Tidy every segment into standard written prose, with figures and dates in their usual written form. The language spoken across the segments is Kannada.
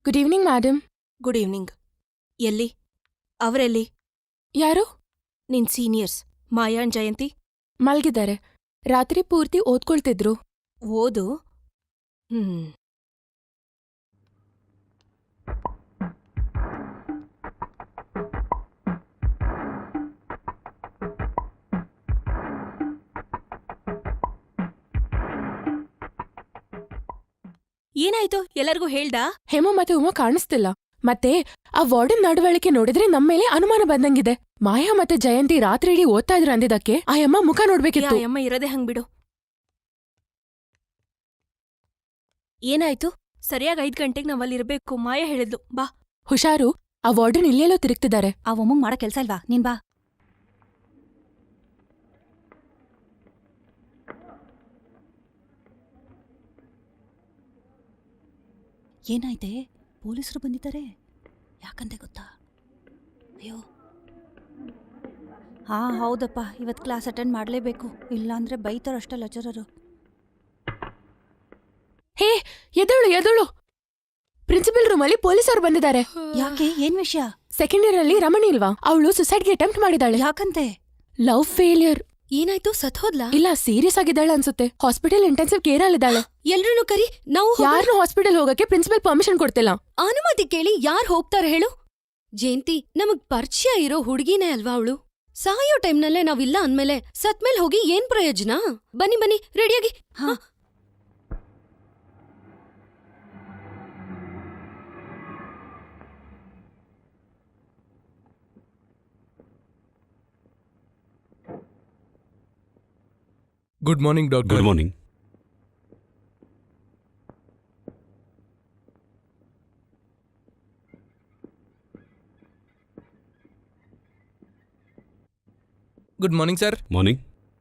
Good evening madam. Good evening. ಎಲ್ಲಿ? ಅವರೆಲ್ಲಿ? ಯಾರು? ನಿನ್ ಸೀನಿಯರ್ಸ್ ಮಾಯಾ ಜಯಂತಿ ಮಲ್ಗಿದ್ದಾರೆ. ರಾತ್ರಿ ಪೂರ್ತಿ ಓದ್ಕೊಳ್ತಿದ್ರು. ಓದು. ಏನಾಯ್ತು? ಎಲ್ಲರಿಗೂ ಹೇಳ್ದಾ? ಹೇಮ ಮತ್ತೆ ಉಮಾ ಕಾಣಿಸ್ತಿಲ್ಲ. ಮತ್ತೆ ಆ ವಾರ್ಡನ್ ನಡವಳಿಕೆ ನೋಡಿದ್ರೆ ನಮ್ಮೇಲೆ ಅನುಮಾನ ಬಂದಂಗಿದೆ. ಮಾಯಾ ಮತ್ತೆ ಜಯಂತಿ ರಾತ್ರಿ ಇಡೀ ಓದ್ತಾ ಇದ್ರು ಅಂದಿದ್ದಕ್ಕೆ ಆ ಅಮ್ಮ ಮುಖ ನೋಡ್ಬೇಕಿತ್ತು. ಅಮ್ಮ ಇರೋದೇ ಹಂಗ್ಬಿಡು. ಏನಾಯ್ತು? ಸರಿಯಾಗಿ 5 ಗಂಟೆಗೆ ನಾವಲ್ಲಿರ್ಬೇಕು. ಮಾಯಾ ಹೇಳಿದ್ಲು. ಬಾ. ಹುಷಾರು, ಆ ವಾರ್ಡನ್ ಇಲ್ಲೆಲ್ಲೋ ತಿರುಗ್ತಿದ್ದಾರೆ. ಆ ಒಮ್ಮಂಗ್ ಮಾಡೋ ಕೆಲ್ಸ ಇಲ್ವಾ? ನೀನ್ ಬಾ. ಏನಾಯ್ತೆ? ಪೊಲೀಸರು ಬಂದಿದ್ದಾರೆ. ಯಾಕಂತೆ ಗೊತ್ತಾ? ಅಯ್ಯೋ, ಹೌದಪ್ಪ, ಇವತ್ತು ಕ್ಲಾಸ್ ಅಟೆಂಡ್ ಮಾಡಲೇಬೇಕು, ಇಲ್ಲಾಂದ್ರೆ ಬೈತಾರಷ್ಟೇ ಲೆಕ್ಚರರು. ಹೇ, ಎದಳು. ಪ್ರಿನ್ಸಿಪಲ್ ರೂಮಲ್ಲಿ ಪೊಲೀಸರು ಬಂದಿದ್ದಾರೆ. ಯಾಕೆ? ಏನ್ ವಿಷಯ? ಸೆಕೆಂಡ್ ಇಯರ್ ಅಲ್ಲಿ ರಮಣಿ ಇಲ್ವಾ, ಅವಳು ಸುಸೈಡ್ಗೆ ಅಟೆಂಪ್ಟ್ ಮಾಡಿದಾಳೆ. ಯಾಕಂತೆ? Love failure. ಏನಾಯ್ತು? ಸತ್ಹೋದ್ಲಾ? ಇಲ್ಲ, ಸೀರಿಯಸ್ ಆಗಿದ್ದಾಳೆ ಅನ್ಸುತ್ತೆ. ಹಾಸ್ಪಿಟಲ್ ಇಂಟೆನ್ಸಿವ್ ಕೇರ್ ಅಲ್ಲಿದ್ದಾಳೆ. ಎಲ್ರನ್ನೂ ಕರಿ. ನಾವು ಯಾರನ್ನೂ ಹಾಸ್ಪಿಟಲ್ ಹೋಗಕ್ಕೆ ಪ್ರಿನ್ಸಿಪಲ್ ಪರ್ಮಿಷನ್ ಕೊಡ್ತಿಲ್ಲ. ಅನುಮತಿ ಕೇಳಿ ಯಾರು ಹೋಗ್ತಾರೆ ಹೇಳು? ಜಯಂತಿ ನಮಗ್ ಪರಿಚಯ ಇರೋ ಹುಡುಗಿನೇ ಅಲ್ವಾ ಅವಳು? ಸಾಯೋ ಟೈಮ್ನಲ್ಲೇ ನಾವಿಲ್ಲ ಅಂದ್ಮೇಲೆ ಸತ್ಮೇಲ್ ಹೋಗಿ ಏನ್ ಪ್ರಯೋಜನ? ಬನ್ನಿ ರೆಡಿಯಾಗಿ. ಹಾ. Good morning doctor. Good morning. Good morning sir. Morning.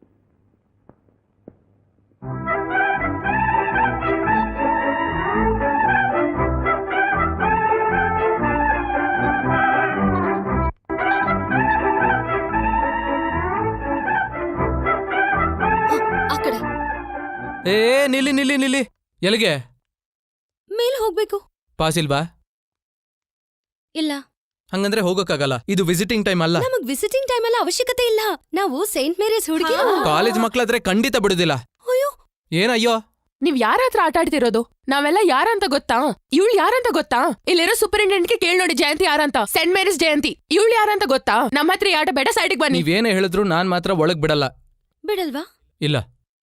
ಆ ಕಡೆ ನಿಲ್ಲಿ. ಎಲ್ಲಿಗೆ? ಮೇಲ್ ಹೋಗ್ಬೇಕು. ಪಾಸ್ ಇಲ್ವಾ? ಇಲ್ಲ. ಹಂಗಂದ್ರೆ ಹೋಗಕ್ಕಾಗಲ್ಲ, ಇದು ವಿಸಿಟಿಂಗ್ ಟೈಮ್ ಅಲ್ಲ. ನಮಗ್ ವಿಸಿಟಿಂಗ್ ಟೈಮ್ ಎಲ್ಲ ಅವಶ್ಯಕತೆ ಇಲ್ಲ. ನಾವು ಸೈಂಟ್ ಮೇರೀಸ್ ಹುಡುಗಿ. ಕಾಲೇಜ್ ಮಕ್ಳಾದ್ರೆ ಖಂಡಿತ ಬಿಡುದಿಲ್ಲ. ಅಯ್ಯೋ, ಏನಯ್ಯೋ? ನೀವ್ ಯಾರ ಹತ್ರ ಆಟ ಆಡ್ತಿರೋದು? ನಾವೆಲ್ಲ ಯಾರಂತ ಗೊತ್ತಾ? ಇವಳು ಯಾರಂತ ಗೊತ್ತಾ? ಇಲ್ಲಿರೋ ಸೂಪರಿಂಟೆಂಡೆಂಟ್ಗೆ ಕೇಳ್ ನೋಡಿ ಜಯಂತಿ ಯಾರಂತ. Saint Mary's Jayanti. ಇವಳು ಯಾರಂತ ಗೊತ್ತಾ? ನಮ್ಮ ಹತ್ರ ಈ ಆಟ ಬೇಡ, ಸೈಡಿಗೆ ಬನ್ನಿ. ನೀವೇನೇ ಹೇಳಿದ್ರು ನಾನ್ ಮಾತ್ರ ಒಳಗ್ ಬಿಡಲ್ಲ. ಬಿಡಲ್ವಾ? ಇಲ್ಲ.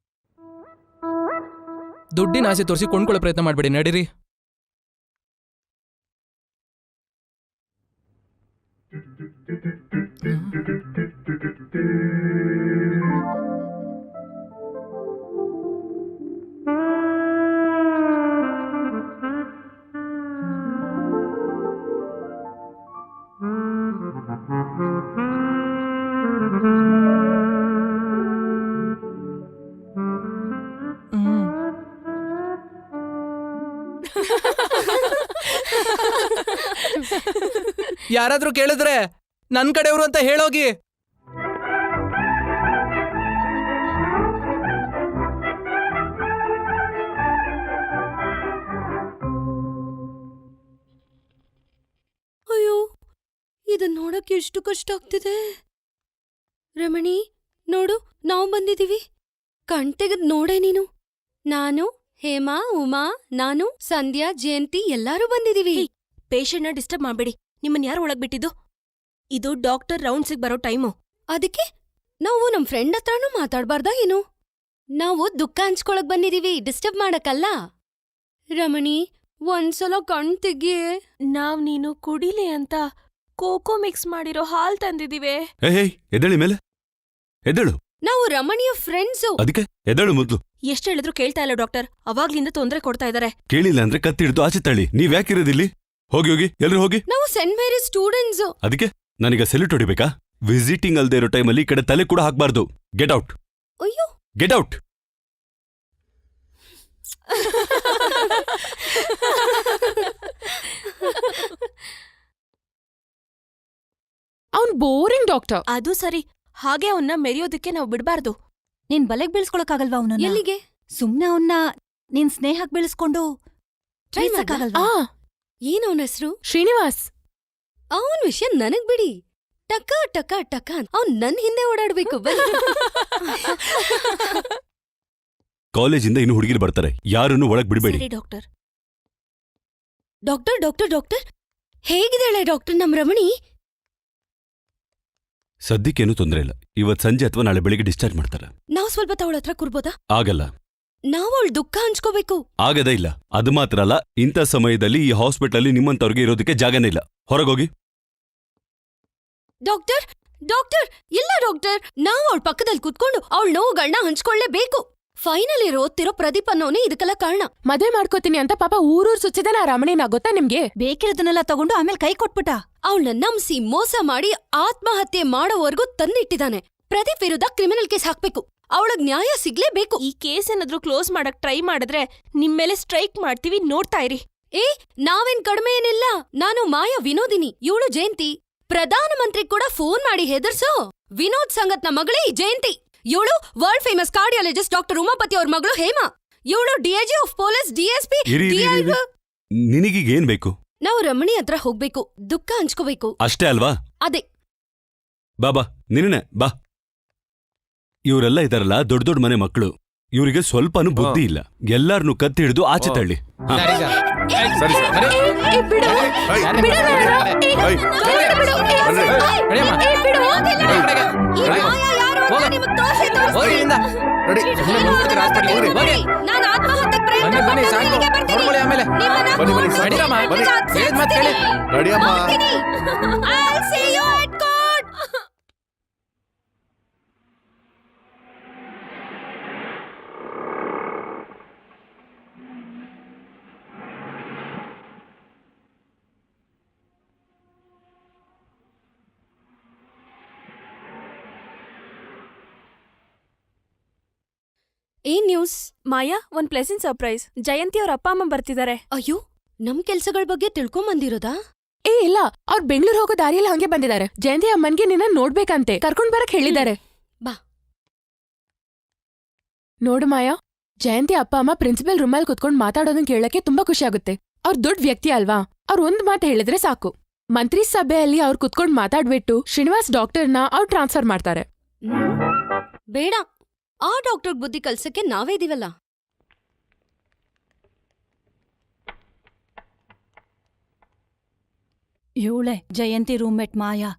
ದುಡ್ಡಿನ ಆಸೆ ತೋರಿಸಿ ಕೊಂಡ್ಕೊಳ್ಳೋ ಪ್ರಯತ್ನ ಮಾಡ್ಬೇಡಿ, ನಡೀರಿ. ಯಾರಾದ್ರೂ ಕೇಳಿದ್ರೆ ನನ್ ಕಡೆಯವರು ಅಂತ ಹೇಳೋಗಿ. ಅಯ್ಯೋ, ಇದನ್ ನೋಡಕ್ಕೆ ಎಷ್ಟು ಕಷ್ಟ ಆಗ್ತಿದೆ. ರಮಣಿ, ನೋಡು, ನಾವು ಬಂದಿದೀವಿ. ಕಣ್ತೆಗದ್ ನೋಡೆ ನೀನು. ನಾನು, ಹೇಮಾ, ಉಮಾ, ನಾನು, ಸಂಧ್ಯಾ, ಜಯಂತಿ ಎಲ್ಲಾರೂ ಬಂದಿದೀವಿ. ಪೇಷಂಟ್ನ ಡಿಸ್ಟರ್ಬ್ ಮಾಡ್ಬೇಡಿ. ನಿಮ್ಮನ್ ಯಾರು ಒಳಗ್ ಬಿಟ್ಟಿದ್ದು? ಇದು ಡಾಕ್ಟರ್ ರೌಂಡ್ಸಿಗೆ ಬರೋ ಟೈಮು. ಅದಕ್ಕೆ ನಾವು ನಮ್ ಫ್ರೆಂಡ್ ಹತ್ರನೂ ಮಾತಾಡ್ಬಾರ್ದಾ ಏನು? ನಾವು ದುಃಖ ಹಂಚ್ಕೊಳಕ್ ಬಂದಿದೀವಿ, ಡಿಸ್ಟರ್ಬ್ ಮಾಡಕ್ಕಲ್ಲ. ರಮಣಿ, ಒಂದ್ಸಲ ಕಣ್ ತೆಗಿಯೇ. ನೀನು ಕುಡಿಲಿ ಅಂತ ಕೋಕೋ ಮಿಕ್ಸ್ ಮಾಡಿರೋ ಹಾಲ್ ತಂದಿದೀವಿ. ಎದ್ದೇಳಿ ಮೇಲೆ, ಎದ್ದೇಳು. ನಾವು ರಮಣಿಯ ಫ್ರೆಂಡ್ಸು. ಅದಕ್ಕೆ ಎದ್ದೇಳು ಮೊದ್ಲು. ಎಷ್ಟ್ ಹೇಳಿದ್ರು ಕೇಳ್ತಾ ಇಲ್ಲ ಡಾಕ್ಟರ್. ಅವಾಗ್ಲಿಂದ ತೊಂದ್ರೆ ಕೊಡ್ತಾ ಇದಾರೆ. ಕೇಳಿಲ್ಲ ಅಂದ್ರೆ ಕತ್ತಿ ಹಿಡಿದು ಆಚೆ ತಳ್ಳಿ. ನೀವ್ ಯಾಕಿರೋದಿಲ್ಲಿ? ಹೋಗಿ ಎಲ್ರು ಹೋಗಿ. ನಾವು ಸೆಂಟ್ ಮೇರೀಸ್ ಸ್ಟೂಡೆಂಟ್ಸ್. ಅದಕ್ಕೆ ನನಗ ಸೆಲ್ಯೂಟ್ ಹೊಡಿಬೇಕಾ? ವಿಸಿಟಿಂಗ್ ಅಲ್ದೇ ಇರೋ ಟೈಮಲ್ಲಿ ಈ ಕಡೆ ತಲೆ ಕೂಡ ಹಾಕ್ಬಾರ್ದು. Get out. ಅಯ್ಯೋ, ಗೆಟ್ ಔಟ್. ಅವ್ನ್ ಬೋರಿಂಗ್ ಡಾಕ್ಟರ್. ಅದು ಸರಿ, ಹಾಗೆ ಅವನ್ನ ಮೆರೆಯೋದಕ್ಕೆ ನಾವು ಬಿಡ್ಬಾರ್ದು. ನೀನ್ ಬಲೆಗ್ ಬೀಳ್ಸ್ಕೊಳಕ್ಕಾಗಲ್ವಾ ಅವನನ್ನ? ಎಲ್ಲಿಗೆ? ಸುಮ್ನೆ ಅವನ್ನ ನಿನ್ ಸ್ನೇಹಕ್ ಬೀಳಿಸ್ಕೊಂಡು ಟ್ರೈ ಮಾಡಕ್ಕಾಗಲ್ವಾ? ಏನ್ ಅವನ ಹೆಸರು? ಶ್ರೀನಿವಾಸ್. ಅವನ್ ವಿಷಯ ನನಗ್ ಬಿಡಿ. ಟಕ ಟಕ ಟಕ ಅಂತ ಅವ್ನ್ ನನ್ ಹಿಂದೆ ಓಡಾಡ್ಬೇಕು. ಕಾಲೇಜಿಂದ ಇನ್ನು ಹುಡುಗಿರು ಬರ್ತಾರೆ, ಯಾರನ್ನು ಒಳಗ್ ಬಿಡಬೇಡಿ. ಸರಿ ಡಾಕ್ಟರ್. ಡಾಕ್ಟರ್ ಡಾಕ್ಟರ್ ಡಾಕ್ಟರ್ ಹೇಗಿದ್ದಾಳೆ ಡಾಕ್ಟರ್ ನಮ್ ರಮಣಿ? ಸದ್ಯಕ್ಕೇನು ತೊಂದರೆ ಇಲ್ಲ. ಇವತ್ ಸಂಜೆ ಅಥವಾ ನಾಳೆ ಬೆಳಿಗ್ಗೆ ಡಿಸ್ಚಾರ್ಜ್ ಮಾಡ್ತಾರೆ. ನಾವ್ ಸ್ವಲ್ಪ ಅವಳ ಹತ್ರ ಕೂರ್ಬೋದಾ? ಆಗಲ್ಲ. ನಾವ್ ಅವಳ ದುಃಖ ಹಂಚ್ಕೋಬೇಕು. ಆಗದೇ ಇಲ್ಲ. ಅದು ಮಾತ್ರ ಅಲ್ಲ, ಇಂಥ ಸಮಯದಲ್ಲಿ ಈ ಹಾಸ್ಪಿಟಲ್ ನಿಮ್ಮಂತವ್ರಿಗೆ ಇರೋದಕ್ಕೆ ಜಾಗನೇ ಇಲ್ಲ. ಹೊರಗೋಗಿ. ಡಾಕ್ಟರ್ ಡಾಕ್ಟರ್ ಇಲ್ಲ ಡಾಕ್ಟರ್, ನಾವ್ ಅವಳ ಪಕ್ಕದಲ್ಲಿ ಕುತ್ಕೊಂಡು ಅವಳ ನೋವುಗಳನ್ನ ಹಂಚ್ಕೊಳ್ಳೇಬೇಕು. ಫೈನಲ್ ಇಯರ್ ಓದ್ತಿರೋ ಪ್ರದೀಪ್ ಅನ್ನೋನೇ ಇದಕ್ಕೆಲ್ಲ ಕಾರಣ. ಮದ್ವೆ ಮಾಡ್ಕೋತೀನಿ ಅಂತ ಪಾಪ ಊರೂರ್ ಸುತ್ತಿದಾನ ಆ ರಮಣಿನ, ಗೊತ್ತಾ ನಿಮ್ಗೆ? ಬೇಕಿರೋದನ್ನೆಲ್ಲ ತಗೊಂಡು ಆಮೇಲೆ ಕೈ ಕೊಟ್ಬಿಟ್ಟ. ಅವಳನ್ನ ನಂಬಿಸಿ ಮೋಸ ಮಾಡಿ ಆತ್ಮಹತ್ಯೆ ಮಾಡೋವರೆಗೂ ತಂದಿಟ್ಟಿದ್ದಾನೆ. ಪ್ರದೀಪ್ ವಿರುದ್ಧ ಕ್ರಿಮಿನಲ್ ಕೇಸ್ ಹಾಕ್ಬೇಕು. ಅವಳಗ್ ನ್ಯಾಯ ಸಿಗ್ಲೇಬೇಕು. ಈ ಕೇಸ್ ಏನಾದ್ರೂ ಕ್ಲೋಸ್ ಮಾಡಕ್ ಟ್ರೈ ಮಾಡಿದ್ರೆ ನಿಮ್ಮೇಲೆ ಸ್ಟ್ರೈಕ್ ಮಾಡ್ತೀವಿ, ನೋಡ್ತಾ ಇರಿ. ಏ ನಾವೇನ್ ಕಡಿಮೆ ಏನಿಲ್ಲ. ನಾನು ಮಾಯಾ ವಿನೋದಿನಿ, ಇವಳು ಜಯಂತಿ. ಪ್ರಧಾನಮಂತ್ರಿ ಕೂಡ ಫೋನ್ ಮಾಡಿ ಹೆದರ್ಸೋ ವಿನೋದ್ ಸಂಗತ್ನ ಮಗಳೇ ಈ ಜಯಂತಿ. ಇವಳು world famous cardiologist doctor Umapathi ಅವ್ರ ಮಗಳು ಹೇಮಾ. ಇವಳು ಡಿಐಜಿ ಆಫ್ ಪೊಲೀಸ್, ಡಿಎಸ್ಪಿ. ನಿನಗೀಗ ಏನ್ ಬೇಕು? ನಾವು ರಮಣಿ ಹತ್ರ ಹೋಗ್ಬೇಕು, ದುಃಖ ಹಂಚ್ಕೋಬೇಕು. ಅಷ್ಟೇ ಅಲ್ವಾ? ಅದೇ. ಬಾ ನಿನ್ನೆ ಬಾ. ಇವರೆಲ್ಲ ಇದಾರಲ್ಲ ದೊಡ್ಡ ದೊಡ್ಡ ಮನೆ ಮಕ್ಕಳು, ಇವರಿಗೆ ಸ್ವಲ್ಪನೂ ಬುದ್ಧಿ ಇಲ್ಲ. ಎಲ್ಲಾರನ್ನೂ ಕತ್ತಿ ಹಿಡಿದು ಆಚೆ ತಳ್ಳಿ. ನಾನು ಆತ್ಮಹತ್ಯೆ ಪ್ರಯತ್ನ ಏನ್ ನ್ಯೂಸ್? ಮಾಯಾ, ಒಂದ್ ಪ್ಲೆಸೆಂಟ್ ಸರ್ಪ್ರೈಸ್. ಜಯಂತಿ ಅವ್ರ ಅಪ್ಪ ಅಮ್ಮ ಬರ್ತಿದ್ದಾರೆ. ಅಯ್ಯೋ, ನಮ್ ಕೆಲ್ಸಗಳ ಬಗ್ಗೆ ತಿಳ್ಕೊಂಬಂದಿರೋದಾ? ಏ ಇಲ್ಲ, ಅವ್ರ್ ಬೆಂಗಳೂರು ಹೋಗೋ ದಾರಿಯಲ್ಲಿ ಹಂಗೆ ಬಂದಿದ್ದಾರೆ. ಜಯಂತಿ ಅಮ್ಮನ್ಗೆ ನಿನ್ನ ನೋಡ್ಬೇಕಂತೆ, ಕರ್ಕೊಂಡ್ ಬರಕ್ ಹೇಳಿದ್ದಾರೆ. ಬಾ. ನೋಡು ಮಾಯಾ, ಜಯಂತಿ ಅಪ್ಪ ಅಮ್ಮ ಪ್ರಿನ್ಸಿಪಲ್ ರೂಮಲ್ಲಿ ಕುತ್ಕೊಂಡ್ ಮಾತಾಡೋದನ್ ಕೇಳಕ್ಕೆ ತುಂಬಾ ಖುಷಿ ಆಗುತ್ತೆ. ಅವ್ರ್ ದೊಡ್ಡ ವ್ಯಕ್ತಿ ಅಲ್ವಾ, ಅವ್ರ್ ಒಂದ್ ಮಾತು ಹೇಳಿದ್ರೆ ಸಾಕು. ಮಂತ್ರಿ ಸಭೆಯಲ್ಲಿ ಅವ್ರು ಕುತ್ಕೊಂಡ್ ಮಾತಾಡ್ಬಿಟ್ಟು ಶ್ರೀನಿವಾಸ್ ಡಾಕ್ಟರ್ನ ಅವ್ರು ಟ್ರಾನ್ಸ್ಫರ್ ಮಾಡ್ತಾರೆ. ಬೇಡ, ಆ ಡಾಕ್ಟರ್ ಬುದ್ಧಿ ಕಲ್ಸಕ್ಕೆ ನಾವೇ ಇದೀವಲ್ಲ. ಇವಳೆ ಜಯಂತಿ ರೂಮ್ಮೇಟ್ ಮಾಯಾ.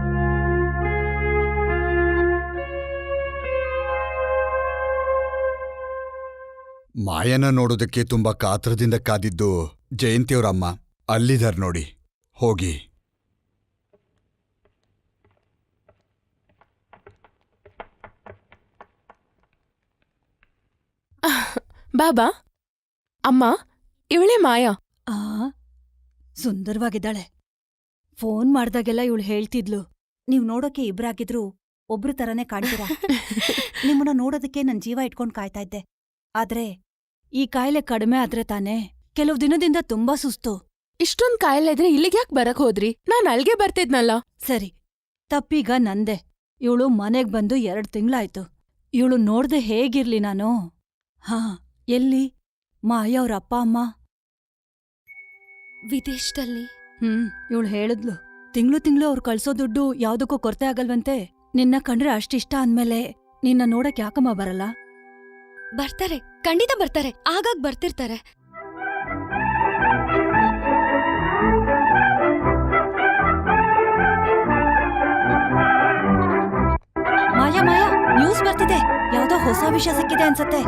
ಮಾಯನ ನೋಡೋದಕ್ಕೆ ತುಂಬಾ ಕಾತ್ರದಿಂದ ಕಾದಿದ್ದು ಜಯಂತಿಯವರಮ್ಮ. ಅಲ್ಲಿದಾರ್ ನೋಡಿ, ಹೋಗಿ. ಬಾಬಾ, ಅಮ್ಮ, ಇವಳೇ ಮಾಯಾ. ಆ ಸುಂದರವಾಗಿದ್ದಾಳೆ. ಫೋನ್ ಮಾಡ್ದಾಗೆಲ್ಲ ಇವಳು ಹೇಳ್ತಿದ್ಲು, ನೀವ್ ನೋಡೋಕೆ ಇಬ್ರಾಗಿದ್ರು ಒಬ್ರು ತರನೇ ಕಾಣ್ತೀರಾ. ನಿಮ್ಮನ್ನ ನೋಡೋದಕ್ಕೆ ನನ್ ಜೀವ ಇಟ್ಕೊಂಡ್ ಕಾಯ್ತಾ ಇದ್ದೆ. ಆದ್ರೆ ಈ ಕಾಯಿಲೆ ಕಡಿಮೆ ಆದ್ರೆ ತಾನೇ. ಕೆಲವು ದಿನದಿಂದ ತುಂಬಾ ಸುಸ್ತು. ಇಷ್ಟೊಂದ್ ಕಾಯಿಲೆ ಇದ್ರೆ ಇಲ್ಲಿಗ್ಯಾಕ್ ಬರಕ್ ಹೋದ್ರಿ? ನಾನ್ ಅಲ್ಗೆ ಬರ್ತಿದ್ನಲ್ಲ. ಸರಿ, ತಪ್ಪೀಗ ನಂದೆ. ಇವಳು ಮನೆಗ್ ಬಂದು 2 ತಿಂಗ್ಳಾಯ್ತು. ಇವಳು ನೋಡ್ದೆ ಹೇಗಿರ್ಲಿ ನಾನು? ಹಾ, ಎಲ್ಲಿ ಮಾಯಾ ಅವ್ರ ಅಪ್ಪ ಅಮ್ಮ? ವಿದೇಶದಲ್ಲಿ. ಇವಳು ಹೇಳಿದ್ಲು, ತಿಂಗ್ಳು ಅವ್ರು ಕಳ್ಸೋ ದುಡ್ಡು ಯಾವ್ದಕ್ಕೂ ಕೊರತೆ ಆಗಲ್ವಂತೆ. ನಿನ್ನ ಕಂಡ್ರೆ ಅಷ್ಟಿಷ್ಟ ಅಂದ್ಮೇಲೆ ನಿನ್ನ ನೋಡಕ್ ಯಾಕಮ್ಮ ಬರಲ್ಲ? ಬರ್ತಾರೆ, ಖಂಡಿತ ಬರ್ತಾರೆ. ಆಗಾಗ್ ಬರ್ತಿರ್ತಾರೆ. ಮಾಯಾ ಮಾಯಾ, ನ್ಯೂಸ್ ಬರ್ತಿದೆ. ಯಾವ್ದೋ ಹೊಸ ವಿಷಯ ಸಿಕ್ಕಿದೆ ಅನ್ಸತ್ತೆ.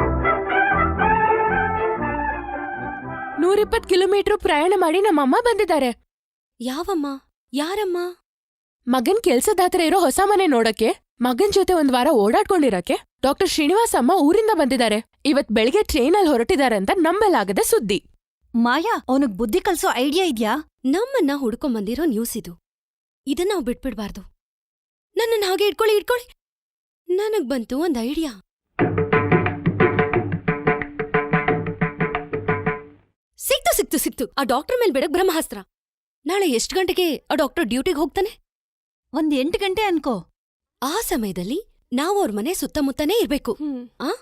120 ಕಿಲೋಮೀಟರ್ ಪ್ರಯಾಣ ಮಾಡಿ ನಮ್ಮಮ್ಮ ಬಂದಿದ್ದಾರೆ. ಯಾವಮ್ಮ? ಯಾರಮ್ಮ? ಮಗನ್ ಕೆಲ್ಸದ ಹತ್ರ ಇರೋ ಹೊಸ ಮನೆ ನೋಡಕ್ಕೆ, ಮಗನ್ ಜೊತೆ ಒಂದ್ ವಾರ ಓಡಾಡ್ಕೊಂಡಿರಕ್ಕೆ ಡಾಕ್ಟರ್ ಶ್ರೀನಿವಾಸ್ ಅಮ್ಮ ಊರಿಂದ ಬಂದಿದ್ದಾರೆ. ಇವತ್ ಬೆಳಿಗ್ಗೆ ಟ್ರೈನಲ್ಲಿ ಹೊರಟಿದ್ದಾರೆ ಅಂತ ನಂಬಲಾಗದ ಸುದ್ದಿ. ಮಾಯಾ, ಅವನಿಗ್ ಬುದ್ಧಿ ಕಲ್ಸೋ ಐಡಿಯಾ ಇದ್ಯಾ? ನಮ್ಮನ್ನ ಹುಡ್ಕೊಂಬಂದಿರೋ ನ್ಯೂಸ್ ಇದು. ಇದನ್ನ ನಾವು ಬಿಟ್ಬಿಡ್ಬಾರ್ದು. ನನ್ನನ್ನ ಹಾಗೆ ಇಟ್ಕೊಳ್ಳಿ. ನನಗ್ ಬಂತು ಒಂದ್ ಐಡಿಯಾ. ಸಿಕ್ತು. ಆ ಡಾಕ್ಟರ್ ಮೇಲ್ ಬಿಡಕ್ ಬ್ರಹ್ಮಾಸ್ತ್ರ. ನಾಳೆ ಎಷ್ಟ್ ಗಂಟೆಗೆ ಆ ಡಾಕ್ಟರ್ ಡ್ಯೂಟಿಗೆ ಹೋಗ್ತಾನೆ? 8 ಗಂಟೆ ಅನ್ಕೋ. ಆ ಸಮಯದಲ್ಲಿ ನಾವು ಅವ್ರ ಮನೆ ಸುತ್ತಮುತ್ತನೇ ಇರ್ಬೇಕು.